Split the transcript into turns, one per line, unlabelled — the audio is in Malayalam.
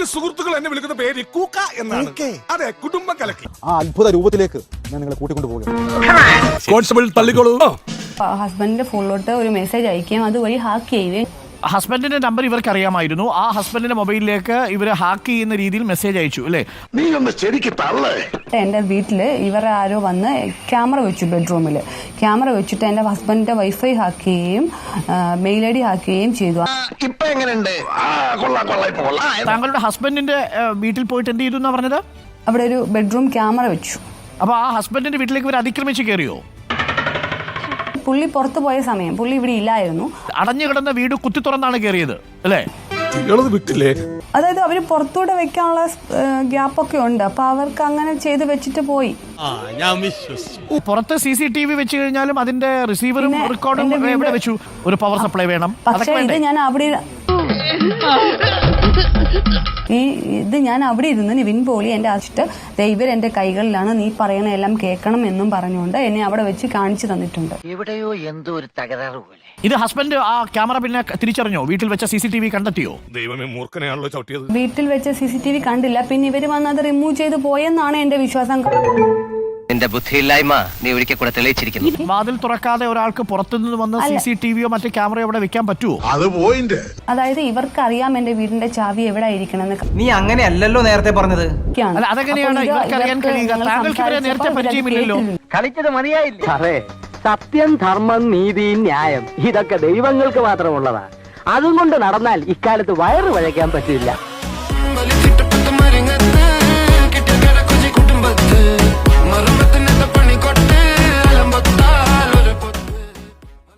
എന്റെ സുഹൃത്തുക്കൾ എന്നെ വിളിക്കുന്ന പേര് കൂക്ക എന്നാണ്. അതെ, കുടുംബം കലക്കി.
ആ അത്ഭുത രൂപത്തിലേക്ക് ഞാൻ നിങ്ങളെ കൂട്ടിക്കൊണ്ടു പോകുകയാണ്.
കോൺസ്റ്റബിൾ തള്ളിക്കോളൂ.
ഹസ്ബൻഡിന്റെ ഫോണിലോട്ട് ഒരു മെസ്സേജ് അയക്കുകയും അതുവഴി ഹാക്ക് ചെയ്യുകയും.
ഹസ്ബൻഡിന്റെ നമ്പർ ഇവർക്ക് അറിയാമായിരുന്നു. ആ ഹസ്ബൻഡിന്റെ മൊബൈലിലേക്ക് ഇവർ ഹാക്ക് ചെയ്യുന്ന രീതിയിൽ മെസ്സേജ് അയച്ചു അല്ലേ?
നീ ഒന്ന് ശരിക്ക് തള്ളേ.
എന്റെ വീട്ടില് ഇവർ ആരോ വന്ന് ക്യാമറ വെച്ചു, ബെഡ്റൂമിൽ ക്യാമറ വെച്ചിട്ട് എന്റെ ഹസ്ബൻഡിന്റെ വൈഫൈ ഹാക്ക് ചെയ്യുകയും മെയിൽ ഐ ഡി ഹാക്ക് ചെയ്യുകയും ചെയ്തു.
ഇപ്പൊ എങ്ങനെയുണ്ട്?
താങ്കളുടെ ഹസ്ബൻഡിന്റെ വീട്ടിൽ പോയിട്ട് എന്ത് ചെയ്തു എന്നാ പറഞ്ഞത്?
അവിടെ ഒരു ബെഡ്റൂം ക്യാമറ വെച്ചു.
അപ്പൊ ആ ഹസ്ബൻഡിന്റെ വീട്ടിലേക്ക് ഇവർ അതിക്രമിച്ച് കയറിയോ?
പുള്ളി പുറത്തു പോയ സമയം പുള്ളി ഇവിടെ ഇല്ലായിരുന്നു.
അടഞ്ഞു കിടന്ന വീട് കുത്തി തുറന്നാണ് കയറിയത് അല്ലേ?
വിട്ടില്ലേ?
അതായത് അവര് പുറത്തൂടെ വെക്കാനുള്ള ഗ്യാപ്പൊക്കെ ഉണ്ട്. അപ്പൊ അവർക്ക് അങ്ങനെ ചെയ്ത് വെച്ചിട്ട് പോയി.
പുറത്ത് CCTV വെച്ച് കഴിഞ്ഞാലും അതിന്റെ റിസീവറും റെക്കോർഡും എവിടെ വെച്ചു? ഒരു പവർ സപ്ലൈ വേണം.
പക്ഷേ ഇത് ഞാൻ അവിടെ ഇരുന്ന് നിവിൻ പോളി എന്റെ അച്ഛട്ട് ദൈവർ എന്റെ കൈകളിലാണ്, നീ പറയണ എല്ലാം കേൾക്കണം എന്നും പറഞ്ഞുകൊണ്ട് എന്നെ അവിടെ വെച്ച് കാണിച്ചു തന്നിട്ടുണ്ട്.
എവിടെയോ എന്തോ ഒരു തകരാറ് പോലെ.
ഇത് ഹസ്ബൻഡ് ആ ക്യാമറ പിന്നെ തിരിച്ചറിഞ്ഞോ? വീട്ടിൽ വെച്ച CCTV കണ്ടെത്തിയോ?
ദൈവമേ, മൂർഖനെയാണല്ലോ ചവിട്ടിയത്.
വീട്ടിൽ വെച്ച CCTV കണ്ടില്ല. പിന്നെ ഇവര് വന്ന് അത് റിമൂവ് ചെയ്ത് പോയെന്നാണ് എന്റെ വിശ്വാസം.
നിന്റെ ബുദ്ധിയില്ലായ്മ നീ ഒരിക്കൽ കൂടെ തെളിയിച്ചിരിക്കുന്നു.
വാതിൽ തുറക്കാതെ ഒരാൾക്ക് പുറത്തുനിന്ന് വന്ന് CCTVയോ മറ്റു ക്യാമറയോ അവിടെ വെക്കാൻ പറ്റുമോ?
അത് പോയിന്റ്.
അതായത് ഇവർക്ക് അറിയാം എന്റെ വീടിന്റെ ചാവി എവിടെ ഇരിക്കണമെന്ന്.
നീ അങ്ങനെയല്ലല്ലോ നേരത്തെ പറഞ്ഞത്.
അല്ല, അതെങ്ങനെയാണ് ഇവർക്ക് അറിയാൻ കഴിയുക? താങ്കൾക്ക് ഇവരെ നേരത്തെ പരിചയമില്ലല്ലോ.
കളിച്ചത് മതിയായില്ലേ? അതെ, സത്യം, ധർമ്മം, നീതി, ന്യായം ഇതൊക്കെ ദൈവങ്ങൾക്ക് മാത്രമുള്ളതാ. അതും കൊണ്ട് നടന്നാൽ ഇക്കാലത്ത് വയറ് വഴയ്ക്കാൻ പറ്റില്ല.